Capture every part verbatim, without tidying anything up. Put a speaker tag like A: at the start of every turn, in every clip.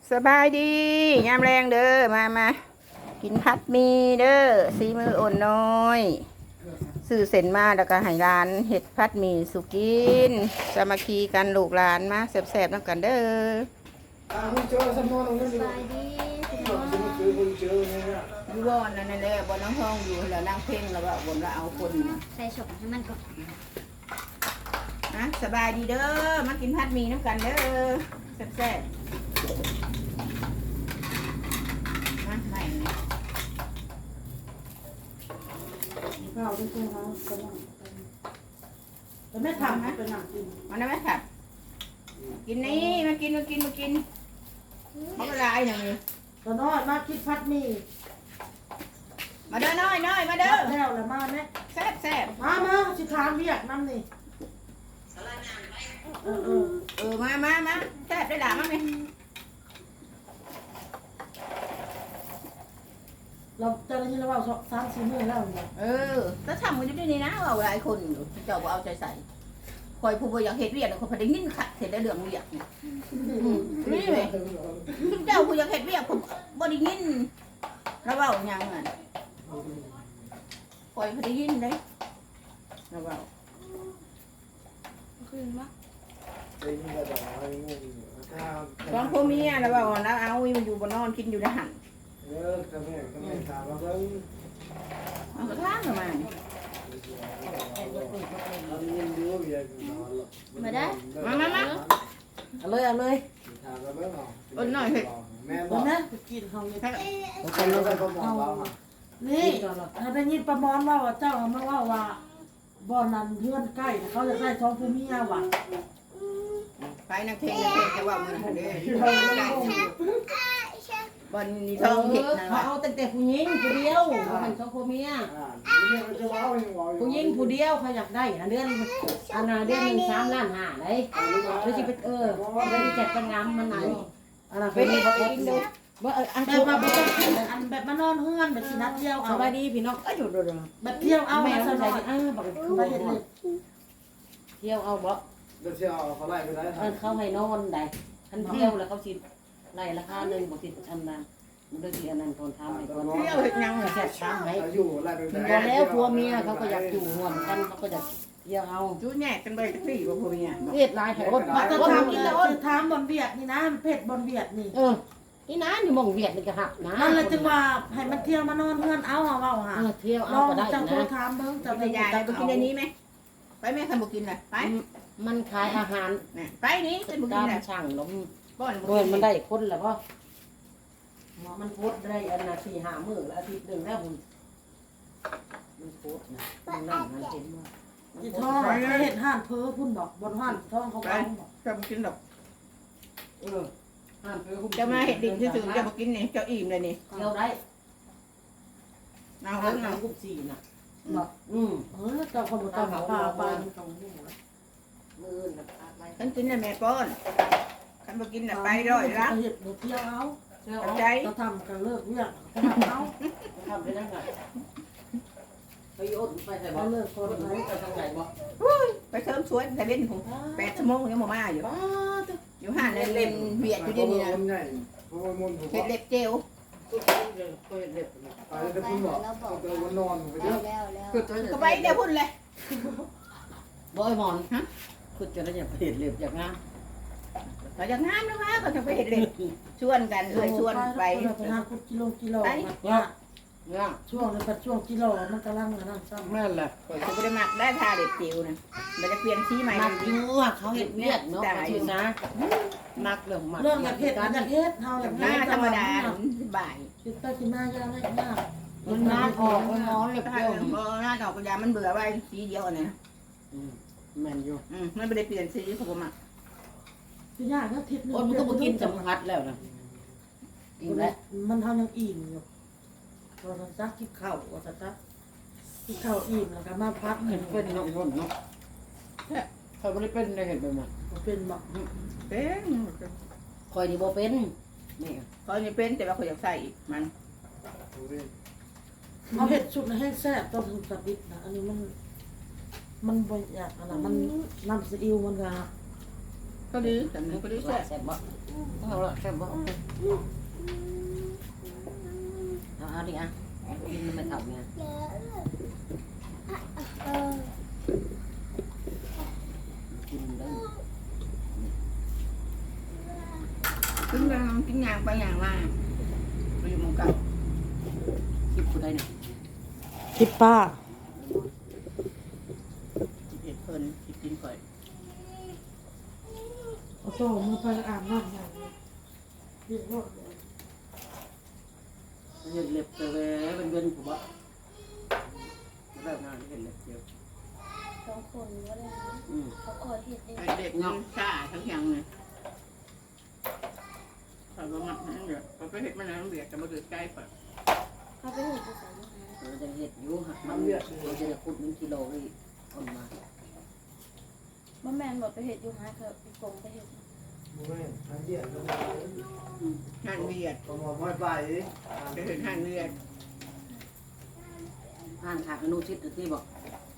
A: สบายดียามแรงเด้อมามากินพัดหมีเด้อซีมืออ่อนน้อยซื้อเส้นมาแล้วก็ให้ร้านเห็ดพัดหมีสุกินสามัคคีกันลูกหลานมาแซ่บๆน้ำกันเด้อ
B: สบายดีพี่น้อง
A: อยู่บ่อนนั่นแหละบ่อนน้องห้องอยู่แล้วนั่งเพ่งแล้วก็บ่นว่าเอาคนมา
B: ใส่ฉกให้มันก่อน
A: นะสบายดีเด้อมากินพัดหมีน้ำกันเด้อแซ่บๆมาใหม่
C: ข้าวที่คุณเขากำลังแต่ไม่ทำให้เป็นหนักจริง
A: มาได้ไหมครับกินนี่มากินมากินมากินเขาก็ลายหน่อย
C: ตอนน้อยมาคิดพัดมี
A: มาเด้อน้อยน้อยมาเด้อ
C: แล้วแล้วมาเนี่ย
A: แซ่บแซ่บ
C: มามาชิคามเรียกน้ำนี่เออเออ
A: เออมามามาแซ่บได้หลามั้งไหม
C: เราเจอที่เราว่าสามสี่มื้อแล้วเนี่ย
A: เออถ้าทำกันอยู่ที่นี่นะว่าหลายคนอยู่เจ้าก็เอาใจใส่คอยผู้บริอยากเห็ดเวียดคนพอได้ยินขัดเสร็จได้เรื่องเวียดเนี่ยนี่เลยเจ้าผู้อยากเห็ดเวียดผมบ่ได้ยินแล้วเว่าอย่างอ่ะคอยพอได้ยินได้แล้วเว่า
B: คืนวะ
A: ตอนพ่อเมียแล้วเว่าแล้วเอาอีมันอยู่บนนอนกินอยู่ในหันเอากระทั่งทำไม
B: มาได้
A: มามามา
C: เอาเลยเอาเลย
A: อดหน่อยเห็ด
C: เอานะไปกินเขาเลย
A: ให้
C: นี่ถ้าได้ยินประมอนว่าเจ้ามาว่าว่าบ่อนั้นเพื่อนใกล้เขาจะได้ท้องผู้เมียว่ะ
A: ไปนักเทงนักเทงจะว่ามือหันเด้บอลนี่ทองเห็ดนะ
D: เขาเอาตั้งแต่ผู้หญิงผู้เดียวมันเขาผู้เมียผู้หญิงผู้เดียวเขาอยากได้อันเดือนอันน่ะเดือนหนึ่งสามล้านห้าเลยแล้วสิไปเออแล้วสิจัดปัญญามมันไหนอันน่ะเป็นบ่เองดูบ่เอออัน
C: แต่
D: เที่ยว
C: ว่า
D: มา
C: บ่
D: บ่
C: ต้
D: ต้
C: อ
D: อง ง
C: กินอันแบบมานอนเฮือนแบบสินัดเที่ยว
D: ส
C: เอา
D: บายดีพี่น้องเอ้ยอยู่ดู
C: แบบเที่ยวเอา
D: แม่
C: มา
D: ส
C: ส
D: บาย
C: บาย
D: ดีเออบอกคือ
C: ไปเห็นเลย
D: เที่ยวเอาบ่
E: เดี๋ยวเที่ยวเขาไล่ไปได้
D: เออเขาให้นอนได้คันเที่ยวแล้วเขาสิไล่ราคาหนึงบ่สิอันนั้นมันก็สิอันนั้นตอนทำให้ก่อน
A: เที่ยวเห็ดยังเหรอ
D: แซ่บช้างให้
E: อยู่ไล่ไป
D: ถึงบอกแล้วผัวเมียเขาก็อยากอยู่ร่วมกันเขาก็จะเที่ยวเอา
A: จูแยกกันไปสักทีว่าพวกเนี้ย
D: เฮ็ดหลายแถว
C: มาจะ
D: ว่า
C: ถาม
D: กิ
C: กิ
D: น
C: น
D: แล้
C: แล้ว วจะถามบอลเวียดนี่นะเผ็ดบอลเวียดนี่
D: เออนี่นะนี่มองเวียดนี่ก็หักนะ
C: นั่นแหละจึงว่าให้มันเที่ยวมานอนเฮือนเอาเอาเอาหา
D: เออเที่ยว
C: ล
D: เอา
C: อง
D: ก็ได้
C: จังโทร
D: นะ
C: ถามเบิ่งจะ
A: จะ
C: ไป
A: ไปยายไปกินในนี้ไหมไปแม่คันบุกินเลยไป
D: มันขายอาหาร
A: เนี่ยไปนี้เป็นบุกิ
D: ตาน ม
A: เลย
D: ช่างลม
A: บ้อนบุ
D: เงิ
A: กิ
D: น
A: น
D: มันได้คนแล้วป่ะมันโพดได้อันนาทีห้ามื้อละอาทิตย์หนึ่งแล้วคุณมันโพดนะมันนั่งมันเห็นว่า
C: จิท้องไปเห็ดห่านเพ้อพุ่นบอกบนห่านท้องเขาบ้องบอก
A: จะบุกินดอก
D: เออห้ามเพื่อ
A: จะมาเห็ดดิ่งที่สุดจะบุกินนี่จะอิ่มเลยนี่
D: เที่ยวได้
A: เอา
D: ห้า
A: เรื่อง
D: ม
A: เอา
D: ทำกุบสี่น่ะ
C: บอก
D: อืม
C: เออเจ้าคนบ่ต้องหาปลาปลามันต้องหู
D: มือน่ะอะไร
A: ฉันกินในแม่ป้อนคันบุกินน่ะไปร้อยละ
C: เห็ดเที่ยวเอา
D: เที่ยว
A: เข้า
D: เอา
A: ใจ
C: เราทำกันเลิกเวียกเขาทำเอา
D: ทำไปได้ไงไปอดไปใส่บ่
C: เขาเลิกค
D: คน
C: น
D: ไหน
C: ไหน
D: ไปทางไหนบ่
A: ไปเสริมสวยแต่เล่นผมแปดชั่วโมงยังมาอยู่
D: ป้าตัว
A: อยู่ห้านเล่นเวียดอยู่ที่นี่นะ
E: ใหญ่เพราะว่ามันผม
A: เห็ดเล็บเจล
D: ตุ๊กเด็กก็เด็ก
E: ไปแล้วคุณบอกเอาไปวันนอนไปเย
B: แล้ว
E: อะ
B: แล้วแล้ว
A: ก็ไปเดี๋ยวพุ่นเลย
D: บ่ไอ้หมอนฮะคือจะได้อยากเห็นเล็บอยากงาม
A: เราจะงามนะวะเขาจะไปเห็ดเล็บชวนกันเลยชวนไป
C: ไปหาคุดกิโลกิโล
D: เนี่ย
C: ช่วงนี้เป็นช่วงกิโลมันกำลังนั่นซ้ำ
D: แม่นแหละ
A: เปิดจะไปหมักได้ทาเล็บจิ๋วนะมันจะเปลี่ยนสีใหม่
D: มักอยู่ว่าเขาเห็นเวียดเนาะเขาชื่อนะมักเรื่องมัก
C: เรื่องอยากเห็ดอยากเห็ดเฮาอยาก
A: หน้าธรรมดาบ่าย
C: คิดไปกินหน้ายากเลยยาก
D: มันน้ำออกมันร้อนเล็บ
A: ถ้า
D: เดียว
A: หน้าดอกกระยามันเบื่อไว้สีเดียวนะ
D: แม่นอยู่
A: อืมมันไม่ได้เปลี่ยนสีเขาบอกมา
C: คือยากก็ทิศ
D: คนมันก็บ่กินสัมผัสแล้วนะอิ่มแล้ว
C: มันเท่ายังอิ่มอยู่ตัวสัจักกินข้าวตัวสัจักกินข้าวอิ่มแล้วก็มาพัก
D: เห็นเป็นเนาะคนเนาะเขาไม่ได้เป็นได้เห็นไปหมด
C: เป็นแบบ
A: เป็น
D: คอยนี่บ่เป็นนี่
A: เขาจะเป็นแต่ว่าเขาอยากใส่มัน
C: เอาเห็ดชุดให้แซ่บต้องถึงสวิตนะอันนี้มัน มันบ่อยากอะไรมันน้ำซีอิ๊วมันก็
A: เขาก็ดีแต่มันก็ดีแซ่บ
D: แซ่บบ่เอาละแซ่บบ่เอาเอาดิอ่ะกินมันไม่ทำไงกินได้
A: กินกันกินยางไปยางมาไปอยู่หมู่เก่า
D: คลิปกูได้เนี่ย
C: คิดป้า
A: สิบเอ็ดเพิ่นสิกินข่อย
C: เอาโต้มือไปอาบน้ำอย่างนี้เรียกรถเลย
D: เห็นเล็บเตะเว้ยเป็นเว้นกูบ่แบบนั้นเห็นเล็บเดียว
B: สองคนก็ได้นะ
D: อืม
B: เขาก็เห็ดเอง
A: ไอ้เด็กน้องซ่าทั้งอย่างเลยข่อยบ่มักนั่นเด้อข่อยไปเฮ็ดมันแล้วเบียดจะบ่ถือใจข่อย
B: เขาไปเห็ดภาษาลูกนะ
D: เราจะเห็ดอยู่ฮะมันเราจะขุดหนึ่งกิโลนี่เอามา
B: บ่แม่นบอกไปเห็ดอยู่หาเขาไปกงไปเห็ด
E: มึงไม่ทำเยี่ยมเลย
A: หั่นเบียด
E: ประมอนไม่ไป
A: ไปเฮ็ดหั่นเบียด
D: อ่านขาดอนุชิตที่บอก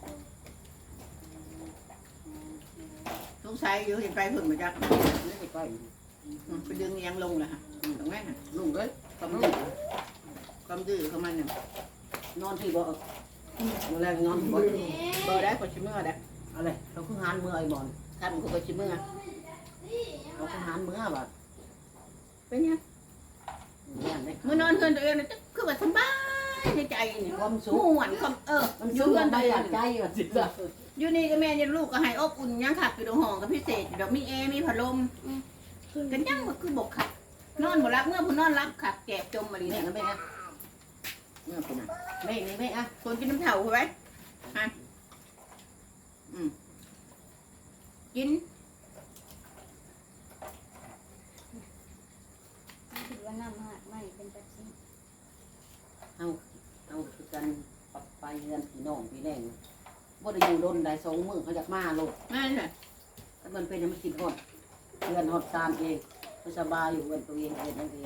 A: สงสัยอยู่เห็นไปเพิ่นมาจัก
D: ไม่ไปก้อย
A: ไปดึงยังลงล่ะฮะตรงนั้นน่ะ
D: ลุงเอ้ย
A: ความดื้อความดื้อของมันน่ะ
D: นอนที่บ่เมื่อแรกนอนที่บ่
A: บ่ได้ก็สิเมื่อได้
D: อะไรเราคือหานเมื่อไอ้บอล
A: ทำก็สิเมื่อ
D: เราคือหานเมื่อบ่
A: เป็นยัง
D: เนี่ยได้
A: เมื่อนอนเฮือนตัวเองน่ะคือว่าสบายในใจนี่
D: ความสุ
A: ม่
D: ข
A: วนความเออ
D: มัน
A: อ
D: สุ
A: ยู่
D: ข
A: เฮือน
D: ได้
A: ตัวเอ
D: อยาง กใจว่าสิจ้ะ
A: อยู่นี่ก็แม่ยันลูกก็ให้อบอุ่นยังขับอยู่ในห้องก็พิเศษดอกมีแอร์มีพัดลมกันยังก็คือบกขับนอนบ่รับเมื่อผู้นอนรับขับแจกจมมาลี
D: นี่
A: เนี่ย
D: นะแม่นะ
A: เมื่อผู้น่ะ
D: แม่นี่แม่อ่ะ
A: คนกินน้ำเถาใช่ไหมฮะอืมกิน
B: ถือว่าน้ำหักไม่เป็นแบบนี้
D: เอาเอาคือกันปักไปเรือนพี่น้องพี่แรงบ่ได้อยู่ดนได้สองมื้อเขาอยากมาโลด
A: นั่นแหละ
D: ถ้ามันเป็นมันคิดฮอดเรือนฮอดซานเองสบายอยู่เรือนตัวเองเรือนเอง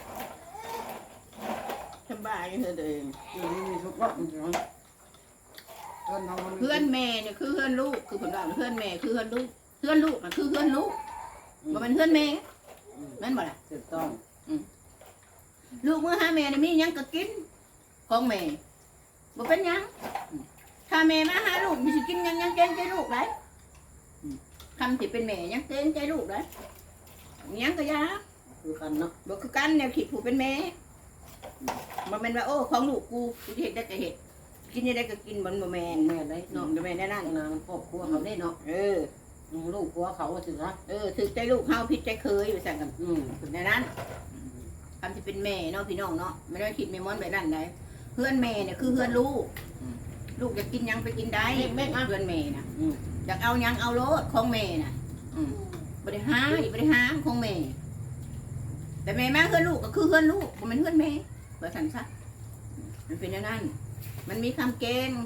A: สบายเธอตัวเอง
D: อยู่นี่มีทุกรอบเพื่อนเขา
A: เพื่อนแม่เนี่ยคือเพื่อนลูกคือผลว่าเพื่อนแม่คือเพื่อนลูกเพื่อนลูกมันคือเพื่อนลูกมันเป็นเพื่อนแม่นั่นบ่ล่ะ
D: ถูกต้อง
A: ลูกเมื่อหาแม่เนี่ยมีหยังก็กินของแม่บ่เป็นหยังถ้าแม่มาหาลูกมีสิกินหยังหยังเกรงใจลูกได้คำที่เป็นแม่หยังเกรงใจลูกได้หยังก็อยา
D: คือกันเนาะ
A: บ่คือกันแนวคิดผู้เป็นแม่บ่แม่นว่าโอ้ของลูกกูกูสิเฮ็ดได้ก็เฮ็ดกินได้ก็กินบ่บ่แม่น
D: แม่ได้
A: น้อ
D: เนาะ
A: งก็แม่นได้นั่น
D: นางครอบครัวเขาได้เนาะ
A: เออ
D: ลูกครัวเขาสินะ
A: เออถือใจลูกเฮาผิดใจเคยไปสั่งกัน
D: อืม
A: ถึงในนั้นคำที่เป็นแม่เนาะพี่น้องเนาะไม่ได้คิดแม่มอนไปนั่นใดเพื่อนแม่เนี่ยคือเพื่อนลูกลูกอยากกินหยังไปกินได้แม่เพื่อนแม่น่ะ
D: อืม
A: อยากเอาหยังเอาโลดของแม่น่ะอืมบริหารบริหารของแม่แต่แม่มาเพื่อนลูกก็คือเพื่อนลูกมันเป็นเพื่อนแม่เพื่อสันซะมันเป็นอย่างนั้น มันมีคำเกณฑ์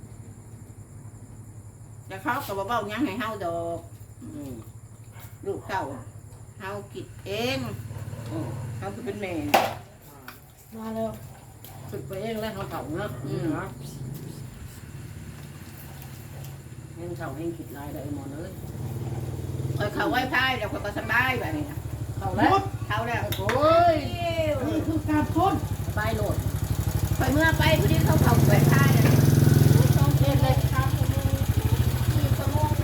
A: แต่เขาก็บอกว่าหยังให้เฮาดอก
D: อืม
A: ลูกเก่าเฮาคิดเอง
D: อืม
A: เฮาคือเป็นแม่
C: มาแล้ว
D: ฝึกไปเองแล้วเขาเฒ่าเนาะอืมนะเฮงเฒ่าเฮงคิดลายได้หมดเลย
A: คอยเขาไหว้พายแล้วคอยก็สบายแบบนี้นะ
D: เข้าแล้ว
A: เขาแล้ว
D: โอ้ย
C: นี่คือการค้น
D: สบายโหลด
A: คอยเมื่อไปพอดีเขาเขาไหว้พายนะ
B: ต้องเห็ดเลยครับสี่ชั่วโมงเลย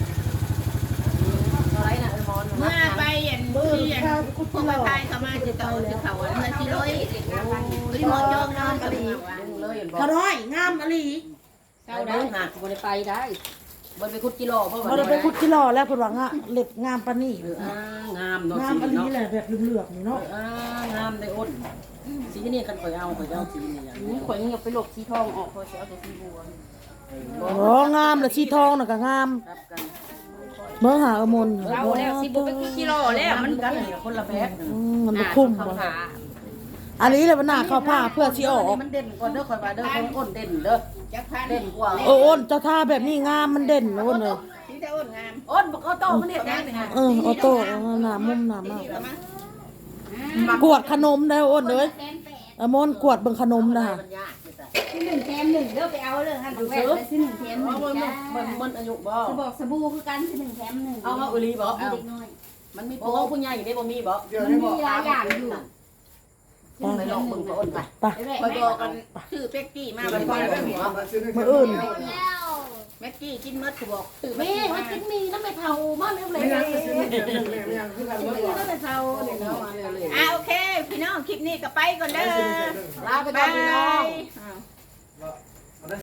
D: อะไรนะไอ้หมอน
A: เมื่อไปเห็นที่เห็นพวกไหว้พายเขามาจะต่อจะเขาเมื่อที่ร้อยพอดีหมอจองนอนก็เลย
D: เลยบอก
C: กระร้อยงามอลี
D: เจ้าได้หากบ่ได้ไปได้บ่ไปคุดกิโลเพราะว่า
C: เราไปคุดกิโลแล้วเพิ่นว่างะเล็บงามปานนี้
D: เอออ่างามเนาะ
C: งาม
D: สี
C: อลี
D: เนาะ
C: แหละแบบเหลืองๆนี่
D: เนาะ
C: เนาะ
D: อ่างามได้อ้นสีนี่คันข่อยเอาข่อยเอาสีนี่อย่างนี้
B: ข่อยยังไปหลบสีทองออกพอเสียเอาแต่สีบัว
C: โอ้งามเลยสีทองน่ะก็งาม
D: ครับกัน
C: เบิ่งหาอมน
B: เราแล้วสิบุเป็นกิโลแล้วมัน
D: กันคนละแบบ
C: อืมมันบ่คุ้มบ่อันนี้แหละมันน่าเข้าผ้าเพื่อสิออก
D: มันเด่นก่อนเด้อข่อยว่าเด้ออ้นเด่นเด้อ
A: จักพัน
D: เด่นกว่า
C: โอ้อ้นเจ้าท่าแบบนี้งามมันเด่นนะอ้นเลย
A: ที่ได้อ้นงาม
D: อ้นบอกเอาโตมันเด่นแน่นี่ฮะ
C: เออออโต้หน้ามุมหน้ามาก
A: ที่ละมั้ง
C: กวดขนมได้อ้นเลย
B: แสนแปด
C: อมนกวดเบิ่งขนมนะ
D: มันยากเลยจ้ะ
B: ที่หนึ่งแถมหนึ่งเด้อไปเอาเลยฮะแหวนที่หนึ่งแถมหนึ่ง
D: มัน
B: จ้า
D: มันมันอายุบ่
B: จะบอกสบู่คือกันที่หนึ่งแถมหนึ่ง
D: เอาเอาอุลีบ่
B: เด็กน้อย
D: มันมีโปรผู้ใหญ่ได้บ่มีบ่
E: เดี๋ยว
B: มัน
E: นี้
B: มี
E: บอก
B: หลายอย่างอยู่
D: ไปลองมึงก็อ้นไป
A: คอยบอกกันชื่อเป็กกี้มา
E: ไป
A: บ่
E: ไป
A: อย
E: ไป
A: ๆ
E: หม
A: บ่
E: อมาซื้อ
A: มื้ออื่น
B: แล้ว
A: แม็กกี้กินมดคือบอกตื่น
D: แม่มันกินมีน้ำไม่เท่ามันเอาเลย
E: ไม่ยังซื้อไม่ยังไม่ยังคือกัน
D: กิน
E: ว่า
D: มี
E: ก่อน
D: น้ำไม่เท่าเนี่ยเนาะมาเลย
A: อ่าโอเค พี่น้องคลิปนี้ก็ไปก่อนเด้อ
D: ลาไปก่อนพี่น้อง
A: อ่า